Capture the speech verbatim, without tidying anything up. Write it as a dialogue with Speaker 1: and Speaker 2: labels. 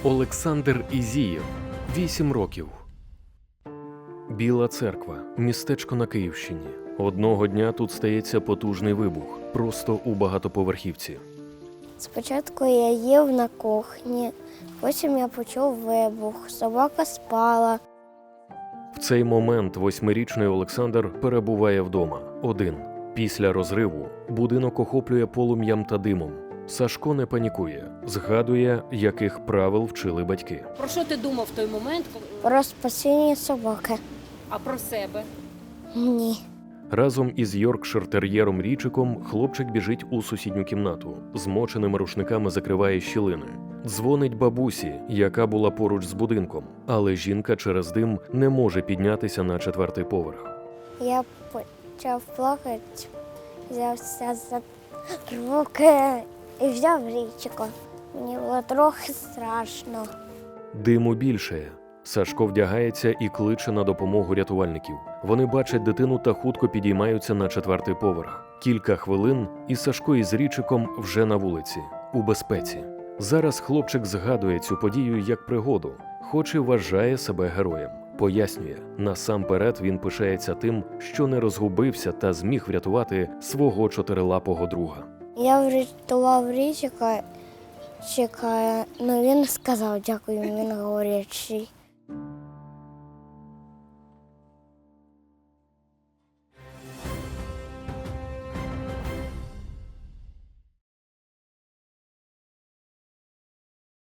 Speaker 1: Олександр Ізієв, вісім років. Біла Церква, містечко на Київщині. Одного дня тут стається потужний вибух, просто у багатоповерхівці.
Speaker 2: Спочатку я їв на кухні, потім я почув вибух, собака спала.
Speaker 1: В цей момент восьмирічний Олександр перебуває вдома, один. Після розриву будинок охоплює полум'ям та димом. Сашко не панікує, згадує, яких правил вчили батьки.
Speaker 3: Про що ти думав в той момент?
Speaker 2: Про спасіння собаки.
Speaker 3: А про себе?
Speaker 2: Ні.
Speaker 1: Разом із йоркшир-тер'єром Річиком хлопчик біжить у сусідню кімнату, змоченими рушниками закриває щілини. Дзвонить бабусі, яка була поруч з будинком, але жінка через дим не може піднятися на четвертий поверх.
Speaker 2: Я почав плакати, взявся за руки і взяв Річика. Мені було трохи страшно.
Speaker 1: Диму більшає. Сашко вдягається і кличе на допомогу рятувальників. Вони бачать дитину та хутко підіймаються на четвертий поверх. Кілька хвилин, і Сашко із Річиком вже на вулиці, у безпеці. Зараз хлопчик згадує цю подію як пригоду, хоч і вважає себе героєм. Пояснює, насамперед він пишається тим, що не розгубився та зміг врятувати свого чотирилапого друга.
Speaker 2: Я врятував Річика, чекає, ну він сказав дякую, він говорячий.